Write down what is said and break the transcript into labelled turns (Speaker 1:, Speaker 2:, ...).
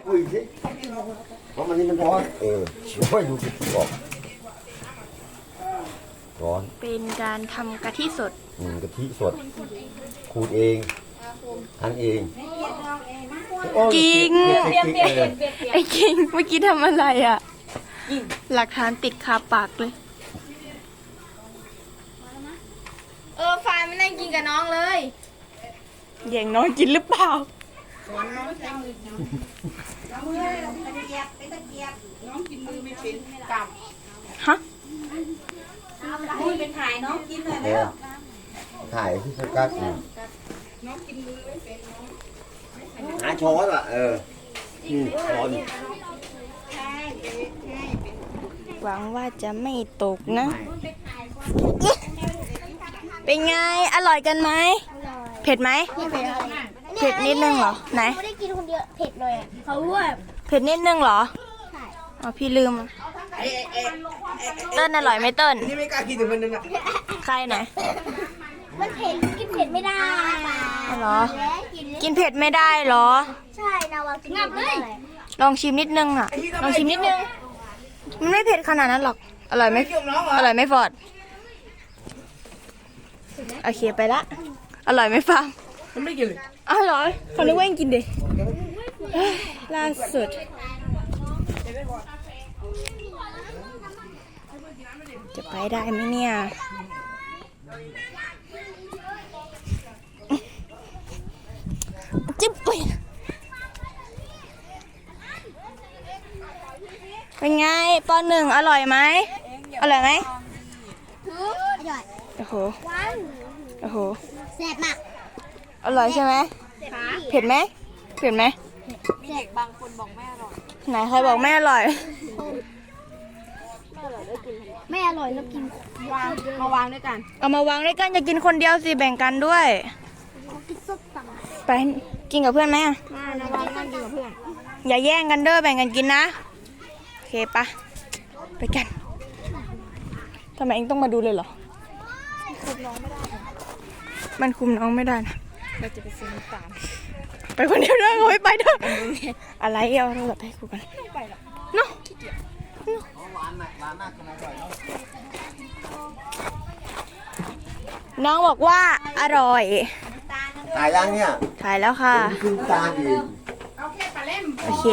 Speaker 1: อุ้ยสิเพราะมันนี่มันร้อนช่วยดูสิบอกร้อน
Speaker 2: เป็นการทำกะทิสด
Speaker 1: กะทิสดขูดเองทันเอง
Speaker 2: กิ้งไอ้กิ้งเมื่อกี้ทำอะไรอ่ะหลักฐานติดคาปากเลยฟายไม่นั่งกินกับน้องเลยแย่งน้องกินหรือเปล่า
Speaker 3: น้องกินมือไม่เป็นกลับ
Speaker 2: ฮะ
Speaker 3: มือเป็นถ่ายน้องกินเลยแล้ว
Speaker 1: ถ่ายที่สกัด
Speaker 3: น้องกินมือไม่เป็นน้อง
Speaker 1: หาช้อนอ่ะช้อน
Speaker 3: ใช่ใช่
Speaker 2: หวังว่าจะไม่ตกนะเป็นไงอร่อยกันไหมเผ็ดไหมเผ็ดนิดนึงเหรอไหน
Speaker 4: ไม่ได้กินคนเดียวเผ็ดเลยอ่ะเขาว่า
Speaker 2: เผ็ดนิดนึงเหรออ๋อพี่ลืมเติ้ลอร่อยไหมเติ้ล
Speaker 3: นี่ไม่กล้ากินถึงคนนึงอ่ะ
Speaker 2: ใครไหน
Speaker 4: มันเผ็ดกินเผ็ดไม่ได้
Speaker 2: เหรอกินเผ็ดไม่ได้เหรอ
Speaker 4: ใช่นาวากินงับเลย
Speaker 2: ลองชิมนิดนึงอ่ะลองชิมนิดนึงมันไม่เผ็ดขนาดนั้นหรอกอร่อยไหมอร่อยไหมฟอร์ดโอเคไปละอร่อยไหมฟัง
Speaker 3: มันไม่กินเลย
Speaker 2: อร่อยเขานึกว่ายังกินดิล่าสุดจะไปได้ไหมเนี่ยจิ๊บเป็นไงปอหนึ่งอร่อยไหมอร่อยไหม
Speaker 4: อร่อย
Speaker 2: โอ้โห
Speaker 4: หวาน
Speaker 2: โอ้โห
Speaker 4: แซ่บมาก
Speaker 2: อร่อยใช่ไหมเผ็ดไหมเผ็ดไหม
Speaker 4: แซ่บบางคนบอกไม่อร่อย
Speaker 2: ไหนใครบอกไม่อร่อย
Speaker 4: ไม่อร่อยแล้วกิน
Speaker 3: วางมาวางด้วยกัน
Speaker 2: เอามาวางด้วยกันอย่ากินคนเดียวสิแบ่งกันด้วย
Speaker 4: กินส้มตำ
Speaker 2: ไปกินกับเพื่อนไหมอะ
Speaker 3: นาวางนั่งกินกับเพื่อน
Speaker 2: อย่าแย่งกันเด้อแบ่งกันกินนะโอเคปะไปกันทำไมเองต้องมาดูเลยเหรอมันคุมน้องไม่ได้นะเราจะไปซื้อน้ำตาลไปคนเดียวด้วยเขาไม่ไปด้วยอะไรเอาโทรศัพท์ให้กูกันเนาะน้องบอกว่าอร่อย
Speaker 1: ถ่ายยังเนี่ย
Speaker 2: ถ่ายแล้วค่ะ
Speaker 1: ขึ้นตาอีก
Speaker 3: เอาแค่ปลาเล่ม
Speaker 2: โอเค